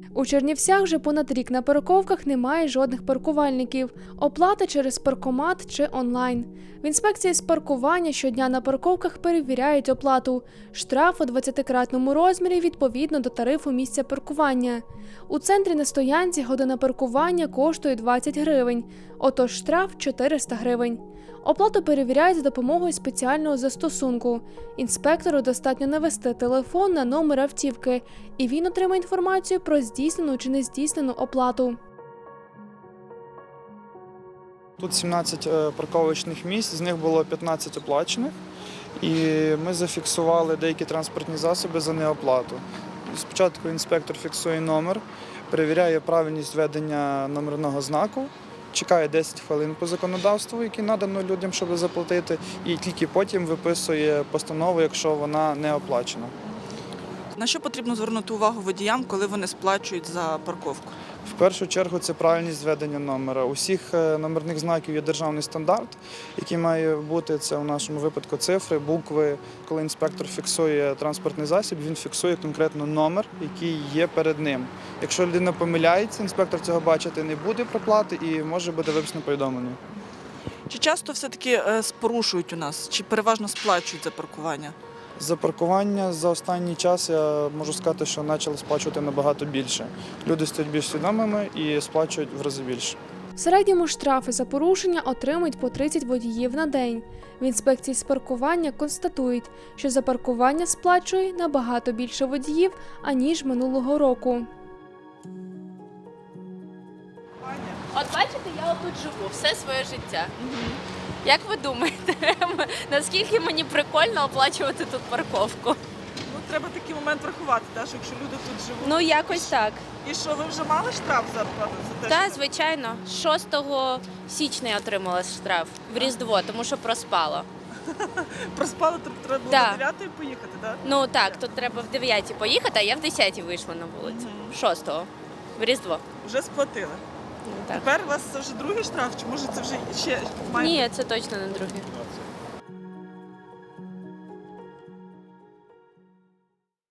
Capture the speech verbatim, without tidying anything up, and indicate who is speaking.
Speaker 1: У Чернівцях вже понад рік на парковках немає жодних паркувальників. Оплата через паркомат чи онлайн. В інспекції з паркування щодня на парковках перевіряють оплату. Штраф у двадцятикратному розмірі відповідно до тарифу місця паркування. У центрі на стоянці година паркування коштує двадцять гривень, отож штраф – чотириста гривень. Оплату перевіряють за допомогою спеціального застосунку. Інспектору достатньо навести телефон на номер автівки, і він отримає інформацію про здійснену чи не здійснену оплату.
Speaker 2: Тут сімнадцять парковочних місць, з них було п'ятнадцять оплачених, і ми зафіксували деякі транспортні засоби за неоплату. Спочатку інспектор фіксує номер, перевіряє правильність введення номерного знаку, чекає десять хвилин по законодавству, яке надано людям, щоб заплатити, і тільки потім виписує постанову, якщо вона не оплачена.
Speaker 3: На що потрібно звернути увагу водіям, коли вони сплачують за парковку?
Speaker 2: В першу чергу це правильність введення номера. У всіх номерних знаків є державний стандарт, який має бути, це у нашому випадку цифри, букви. Коли інспектор фіксує транспортний засіб, він фіксує конкретно номер, який є перед ним. Якщо людина помиляється, інспектор цього бачити не буде проплати і може бути виписано повідомлення.
Speaker 3: Чи часто все-таки порушують у нас, чи переважно сплачують за паркування?
Speaker 2: За паркування за останній час я можу сказати, що почали сплачувати набагато більше. Люди стають більш свідомими і сплачують в рази більше.
Speaker 1: В середньому штрафи за порушення отримують по тридцять водіїв на день. В інспекції з паркування констатують, що за паркування сплачує набагато більше водіїв, аніж минулого року.
Speaker 4: От бачите, я отут живу все своє життя. Як ви думаєте, наскільки мені прикольно оплачувати тут парковку?
Speaker 3: Ну, треба такий момент врахувати, так, що якщо люди тут живуть.
Speaker 4: Ну, якось так.
Speaker 3: І що, ви вже мали штраф за, за те,
Speaker 4: Так,
Speaker 3: що...
Speaker 4: звичайно. шостого січня я отримала штраф в Різдво, тому що проспала.
Speaker 3: Проспали, тобто треба було
Speaker 4: Да.
Speaker 3: до дев'ятої поїхати, так?
Speaker 4: Ну так, тут треба в дев'ятій поїхати, а я в десятій вийшла на вулицю. шостого в Різдво.
Speaker 3: Вже сплатили.
Speaker 4: Ну, так.
Speaker 3: Тепер у вас це вже другий штраф, чи може це вже ще має?
Speaker 4: Ні, це точно не другий.